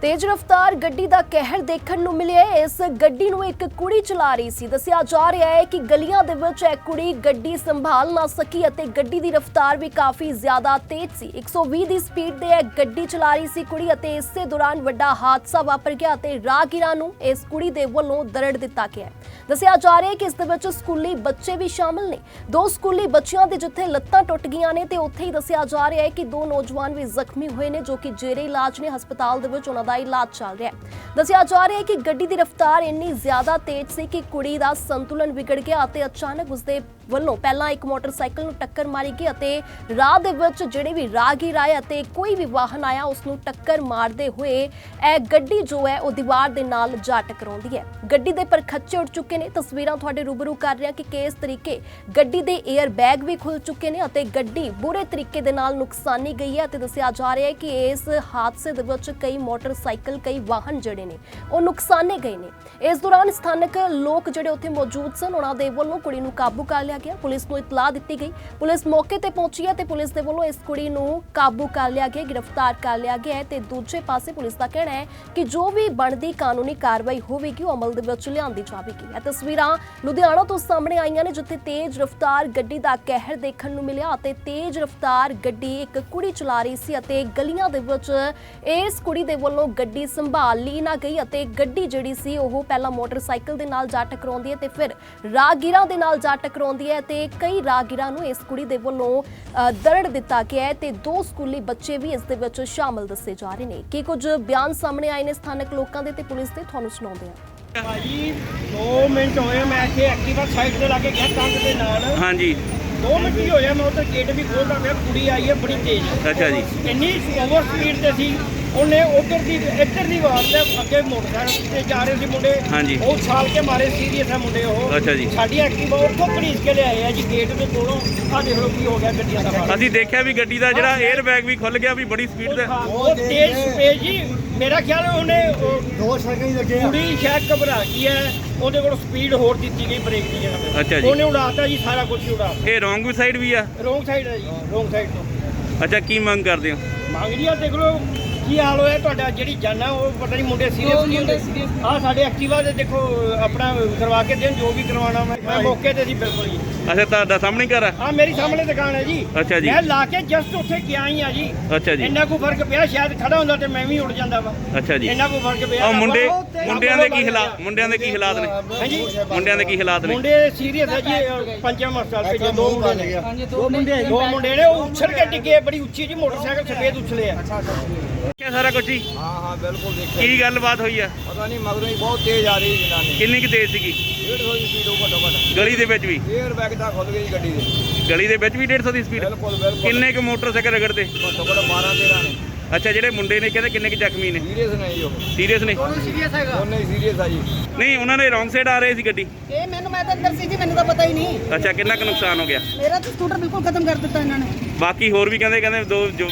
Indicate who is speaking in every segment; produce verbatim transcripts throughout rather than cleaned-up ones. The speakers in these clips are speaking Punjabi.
Speaker 1: तेज रफ्तार गड्डी दा कहर देखण नूं मिलिਆ। इस गड्डी नूं एक कुड़ी चला रही सी। दस्सिया जा रहा है कि गलियां दे विच एक कुड़ी गड्डी संभाल ना सकी अते गड्डी दी रफ्तार भी काफ़ी ज़्यादा तेज सी। एक सौ बीस दी स्पीड ते गड्डी चला रही सी कुड़ी अते इसे दौरान वड्डा हादसा वापर गया अते राहगीरां नूं इस कुड़ी दे वल्लों दरड़ दिता गया। दस्सिया जा रहा है कि इस दे विच स्कूली बच्चे भी शामिल ने। दो स्कूली बच्चियां दे जिथे लत्तां टुट गईयां ने ते उत्थे ही दस्सिया जा रहा है कि दो नौजवान भी जख्मी हुए ने जो कि जेरे इलाज ने हस्पताल दे विच उन्हां दा इलाज चल रहा है। दस्सिया जा रहा है कि गड्डी दी रफ्तार इन्नी ज्यादा तेज सी कि कुड़ी दा संतुलन बिगड़ गया अते अचानक उसदे ਵੱਲੋਂ ਪਹਿਲਾਂ ਇੱਕ ਮੋਟਰਸਾਈਕਲ ਨੂੰ ਟੱਕਰ ਮਾਰੀ ਗਈ ਅਤੇ ਰਾਹ ਦੇ ਵਿੱਚ ਜਿਹੜੇ ਵੀ ਰਾਹਗੀਰ ਆਏ ਅਤੇ ਕੋਈ ਵੀ ਵਾਹਨ ਆਇਆ ਉਸ ਨੂੰ ਟੱਕਰ ਮਾਰਦੇ ਹੋਏ ਇਹ ਗੱਡੀ ਜੋ ਹੈ ਉਹ ਦੀਵਾਰ ਦੇ ਨਾਲ ਜਾ ਟਕਰਾਉਂਦੀ ਹੈ। ਗੱਡੀ ਦੇ ਪਰਖੱਚੇ ਉੱਡ ਚੁੱਕੇ ਨੇ। ਤਸਵੀਰਾਂ ਤੁਹਾਡੇ ਰੂਬਰੂ ਕਰ ਰਿਹਾ ਕਿ ਕਿਸ ਤਰੀਕੇ ਗੱਡੀ ਦੇ 에ਅਰ ਬੈਗ ਵੀ ਖੁੱਲ ਚੁੱਕੇ ਨੇ ਅਤੇ ਗੱਡੀ ਬੁਰੇ ਤਰੀਕੇ ਦੇ ਨਾਲ ਨੁਕਸਾਨੀ ਗਈ ਹੈ ਅਤੇ ਦੱਸਿਆ ਜਾ ਰਿਹਾ ਹੈ ਕਿ ਇਸ ਹਾਦਸੇ ਦੇ ਵਿੱਚ ਕਈ ਮੋਟਰਸਾਈਕਲ ਕਈ ਵਾਹਨ ਜਿਹੜੇ ਨੇ ਉਹ ਨੁਕਸਾਨੇ ਗਏ ਨੇ। ਇਸ ਦੌਰਾਨ ਸਥਾਨਕ ਲੋਕ ਜਿਹੜੇ ਉੱਥੇ ਮੌਜੂਦ ਸਨ ਉਹਨਾਂ ਦੇ ਵੱਲੋਂ ਕੁੜੀ ਨੂੰ ਕਾਬੂ ਕਰ ਲਿਆ ਗਿਆ। पुलिस को इतला दी गई। पुलिस मौके ते पहुंची है ते पुलिस दे वल्लों इस कुड़ी नूं काबू कर लिया गया, गिरफ्तार कर लिया गया है ते दूजे पासे पुलिस का कहना है कि जो भी बनदी कानूनी कार्रवाई होवेगी अमल दे विच लिआंदी जावेगी। ये तस्वीरां लुधियाना तो सामने आईयां ने जिथे तेज रफ्तार गड्डी दा कहर देखण नूं मिलिਆ ਅਤੇ तेज रफ्तार गड्डी एक कुड़ी चला रही सी ਅਤੇ गलियां दे विच इस कुड़ी दे वल्लों गड्डी संभाल ली ना गई ਅਤੇ गड्डी ਜਿਹੜੀ ਸੀ ਉਹ ਪਹਿਲਾਂ ਮੋਟਰਸਾਈਕਲ ਦੇ ਨਾਲ ਜਾ ਟਕਰਾਉਂਦੀ ਹੈ ਤੇ ਫਿਰ ਰਾਹਗੀਰਾਂ ਦੇ ਨਾਲ ਜਾ ਟਕਰਾਉਂਦੀ ਹੈ ਤੇ ਕਈ ਰਾਹਗੀਰਾਂ ਨੂੰ ਇਸ ਕੁੜੀ ਦੇ ਵੱਲੋਂ ਦਰੜ ਦਿੱਤਾ ਗਿਆ ਹੈ ਤੇ ਦੋ ਸਕੂਲੀ ਬੱਚੇ ਵੀ ਇਸ ਦੇ ਵਿੱਚ ਸ਼ਾਮਲ ਦੱਸੇ ਜਾ ਰਹੇ ਨੇ। ਕੀ ਕੁਝ ਬਿਆਨ ਸਾਹਮਣੇ ਆਏ ਨੇ ਸਥਾਨਕ ਲੋਕਾਂ ਦੇ ਤੇ ਪੁਲਿਸ ਦੇ, ਤੁਹਾਨੂੰ ਸੁਣਾਉਂਦੇ ਹਾਂ।
Speaker 2: ਭਾਜੀ ਦੋ ਮਿੰਟ ਹੋਏ ਮੈਂ ਇੱਥੇ ਐਕਟਿਵਾ ਸਾਈਡ ਤੇ ਲਾ ਕੇ ਗਿਆ ਕੰਧ ਦੇ ਨਾਲ। ਹਾਂਜੀ ਦੋ ਮਿੰਟ ਹੀ ਹੋਇਆ ਮੈਂ ਉੱਧਰ ਗੇਟ ਵੀ ਖੋਲਦਾ ਪਿਆ, ਕੁੜੀ ਆਈ ਹੈ ਬੜੀ ਤੇਜ਼। ਅੱਛਾ ਜੀ। ਇੰਨੀ ਓਵਰ ਸਪੀਡ ਤੇ ਸੀ ਉਹਨੇ ਉਧਰ ਦੀ ਇੱਧਰ ਦੀ ਵਾਰ ਤੇ ਅੱਗੇ ਮੋਟਰਸਾਈਕਲ ਤੇ ਜਾ ਰਹੇ ਸੀ ਮੁੰਡੇ। ਹਾਂਜੀ। ਉਹ ਛਾਲ ਕੇ ਮਾਰੇ, ਸੀਰੀਅਸ ਹੈ ਮੁੰਡੇ ਉਹ। ਅੱਛਾ ਜੀ। ਸਾਡੀ ਐਕਟਿਵਾ ਉੱਥੋਂ ਘੜੀਸ ਕੇ ਲਿਆਏ ਆ ਜੀ ਗੇਟ ਦੇ ਕੋਲੋਂ। ਆਹ ਦੇਖ ਲਓ ਕੀ ਹੋ ਗਿਆ ਗੱਡੀਆਂ ਦਾ। ਅਸੀਂ ਦੇਖਿਆ ਵੀ ਗੱਡੀ ਦਾ ਜਿਹੜਾ 에ਅਰ ਬੈਗ ਵੀ ਖੁੱਲ ਗਿਆ ਵੀ ਬੜੀ ਸਪੀਡ ਤੇ। ਉਹ ਤੇਜ਼ ਸਪੀਡ ਜੀ, ਮੇਰਾ ਖਿਆਲ ਉਹਨੇ ਦੋ ਸੈਕਿੰਡ ਹੀ ਲੱਗੇ। ਕੁੜੀ ਸ਼ਾਇਦ ਘਬਰਾ ਗਈ ਹੈ, ਉਹਦੇ ਕੋਲ ਸਪੀਡ ਹੋਰ ਦਿੱਤੀ ਗਈ ਬ੍ਰੇਕ ਦੀ ਜਗ੍ਹਾ। ਅੱਛਾ ਜੀ। ਉਹਨੇ ਉਡਾਤਾ ਜੀ ਸਾਰਾ ਕੁਝ ਉਡਾ। ਇਹ ਰੋਂਗ ਸਾਈਡ ਵੀ ਆ? ਰੋਂਗ ਸਾਈਡ ਹੈ ਜੀ, ਰੋਂਗ ਸਾਈਡ ਤੋਂ। ਅੱਛਾ, ਕੀ ਮੰਗ ਕਰਦੇ ਹੋ? ਮੰਗ ਜੀ ਆ ਦੇਖ ਲਓ ਕੀ ਹਾਲ ਹੋਇਆ ਤੁਹਾਡਾ, ਜਿਹੜੀ ਜਾਨਾ ਉਹ ਪਤਾ ਨਹੀਂ ਮੁੰਡੇ ਸੀਰੀਅਸ ਨਹੀਂ ਹੁੰਦੇ। ਆਹ ਸਾਡੇ ਐਕਟਿਵਾ ਦੇ ਦੇਖੋ ਆਪਣਾ ਕਰਵਾ ਕੇ ਦੇਣ ਜੋ ਵੀ ਕਰਵਾਉਣਾ। ਮੈਂ ਮੈਂ ਮੌਕੇ ਤੇ ਸੀ ਬਿਲਕੁਲ ਜੀ। ਅੱਛਾ, ਤੁਹਾਡਾ ਸਾਹਮਣੇ ਘਰ ਆ? ਹਾਂ, ਮੇਰੀ ਸਾਹਮਣੇ ਦੁਕਾਨ ਹੈ ਜੀ। ਅੱਛਾ ਜੀ। ਮੈਂ ਲਾ ਕੇ ਜਸਟ ਉੱਥੇ ਗਿਆ ਹੀ ਆ ਜੀ। ਅੱਛਾ ਜੀ। ਇੰਨਾ ਕੋ ਫਰਕ ਪਿਆ, ਸ਼ਾਇਦ ਖੜਾ ਹੁੰਦਾ ਤੇ ਮੈਂ ਵੀ ਉੱਡ ਜਾਂਦਾ ਵਾ। ਅੱਛਾ ਜੀ। ਇੰਨਾ ਕੋ ਫਰਕ ਪਿਆ। ਉਹ ਮੁੰਡੇ ਮੁੰਡਿਆਂ ਦੇ ਕੀ ਹਾਲਾਤ ਮੁੰਡਿਆਂ ਦੇ ਕੀ ਹਾਲਾਤ ਨੇ? ਹਾਂਜੀ, ਮੁੰਡਿਆਂ ਦੇ ਕੀ ਹਾਲਾਤ ਨੇ? ਮੁੰਡੇ ਸੀਰੀਅਸ ਹੈ ਜੀ। ਪੰਜਮ ਹਸਪਤਾਲ ਭੇਜੇ ਦੋ ਮੁੰਡੇ ਨੇ। ਦੋ ਮੁੰਡੇ ਦੋ ਮੁੰਡੇ ਨੇ ਉਹ ਉਛਲ ਕੇ ਡਿੱਗੇ ਬੜੀ ਉੱਚੀ ਜੀ, ਮੋਟਰਸਾਈਕਲ ਸਫੇਦ ਉਛਲੇ ਆ। क्या सारा कुछ ही? हाँ हाँ बिल्कुल देखिए। की गल बात हुई है? पता नहीं मगरों ही बहुत तेज आ रही जनानी। कितनी की तेज सी? डेढ़ सौ की स्पीड घट्टो घट। गली दे विच भी एयर बैग दा खुल गई गड्डी दे। गली दे विच भी डेढ़ सौ की स्पीड? बिल्कुल बिल्कुल। किन्ने के मोटरसाइकिल रगड़ते? घट्टो घट बारह तेरह ने। अच्छा, ਜਿਹੜੇ ਮੁੰਡੇ ਨੇ ਕਹਿੰਦੇ ਕਿੰਨੇ ਕਿ ਜ਼ਖਮੀ ਨੇ? ਸੀਰੀਅਸ ਨੇ ਜੀ। ਉਹ ਸੀਰੀਅਸ ਨੇ? ਉਹਨੂੰ ਸੀਰੀਅਸ ਹੈਗਾ। ਉਹਨੇ ਸੀਰੀਅਸ ਆ ਜੀ। ਨਹੀਂ, ਉਹਨਾਂ ਨੇ ਰੌਂਗ ਸਾਈਡ ਆ ਰਹੇ ਸੀ ਗੱਡੀ। ਇਹ ਮੈਨੂੰ ਮੈਂ ਤਾਂ ਅੰਦਰ ਸੀ ਜੀ, ਮੈਨੂੰ ਤਾਂ ਪਤਾ ਹੀ ਨਹੀਂ। ਅੱਛਾ, ਕਿੰਨਾ ਕੁ ਨੁਕਸਾਨ ਹੋ ਗਿਆ? ਮੇਰਾ ਤਾਂ ਸਕੂਟਰ ਬਿਲਕੁਲ ਖਤਮ ਕਰ ਦਿੱਤਾ ਇਹਨਾਂ ਨੇ। ਬਾਕੀ ਹੋਰ ਵੀ ਕਹਿੰਦੇ ਕਹਿੰਦੇ ਦੋ ਜੋ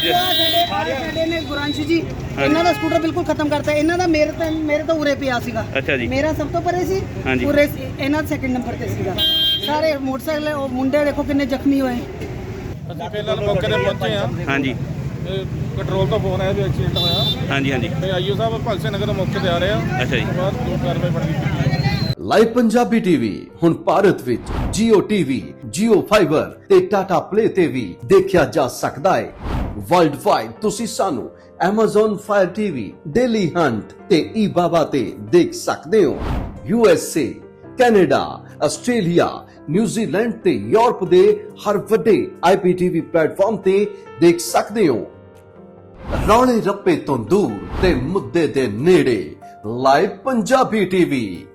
Speaker 2: ਸਾਡੇ ਸਾਡੇ ਨੇ ਗੁਰਾਂਸ਼ੀ ਜੀ, ਇਹਨਾਂ ਦਾ ਸਕੂਟਰ ਬਿਲਕੁਲ ਖਤਮ ਕਰਤਾ। ਇਹਨਾਂ ਦਾ ਮੇਰੇ ਤਾਂ ਮੇਰੇ ਤਾਂ ਉਰੇ ਪਿਆ ਸੀਗਾ। ਅੱਛਾ ਜੀ। ਮੇਰਾ ਸਭ ਤੋਂ ਪਰੇ ਸੀ, ਉਰੇ ਇਹਨਾਂ ਦਾ ਸੈਕਿੰਡ ਨੰਬਰ ਤੇ ਸੀਗਾ। ਸਾਰੇ ਮੋਟਰਸਾਈਕਲ ਉਹ ਮੁੰਡੇ ਦੇਖੋ ਕਿੰਨੇ ਜ਼ਖਮੀ ਹੋਏ।
Speaker 3: ਅਸੀਂ ਪਹਿਲਾਂ ਮੌਕੇ ਤੇ ਪਹੁੰਚੇ ਆ।
Speaker 2: ਹਾਂਜੀ।
Speaker 3: ਕੰਟਰੋਲ ਤੋਂ ਫੋਨ ਆਇਆ ਵੀ ਐਕਸੀਡੈਂਟ ਹੋਇਆ। ਹਾਂਜੀ ਹਾਂਜੀ। ਤੇ ਆਈਓ ਸਾਹਿਬ ਭਗਤ ਸਿੰਘ ਨਗਰ ਮੌਕੇ ਤੇ ਆ ਰਹੇ ਆ। ਅੱਛਾ ਜੀ। ਬਾਅਦ ਦੋ ਕਾਰਵਾਈ ਬਣਦੀ।
Speaker 4: ਲਾਈਵ ਪੰਜਾਬੀ ਟੀਵੀ ਹੁਣ ਭਾਰਤ ਵਿੱਚ Jio T V, Jio Fiber ਤੇ Tata Play ਤੇ ਵੀ ਦੇਖਿਆ ਜਾ ਸਕਦਾ ਹੈ। ਵਰਲਡ ਵਾਈਡ ਤੁਸੀਂ ਸਾਨੂੰ Amazon Fire T V, Daily Hunt ਤੇ eBaba ਤੇ ਦੇਖ ਸਕਦੇ ਹੋ। U S A, Canada, Australia, New Zealand ਤੇ ਯੂਰਪ ਦੇ ਹਰ ਵੱਡੇ ਆਈ ਪੀ ਟੀ ਵੀ ਪਲੇਟਫਾਰਮ ਤੇ ਦੇਖ ਸਕਦੇ ਹੋ। ਰੌਲੇ ਰੱਪੇ ਤੋਂ ਦੂਰ ਤੇ ਮੁੱਦੇ ਦੇ ਨੇੜੇ ਲਾਈਵ ਪੰਜਾਬੀ ਟੀਵੀ।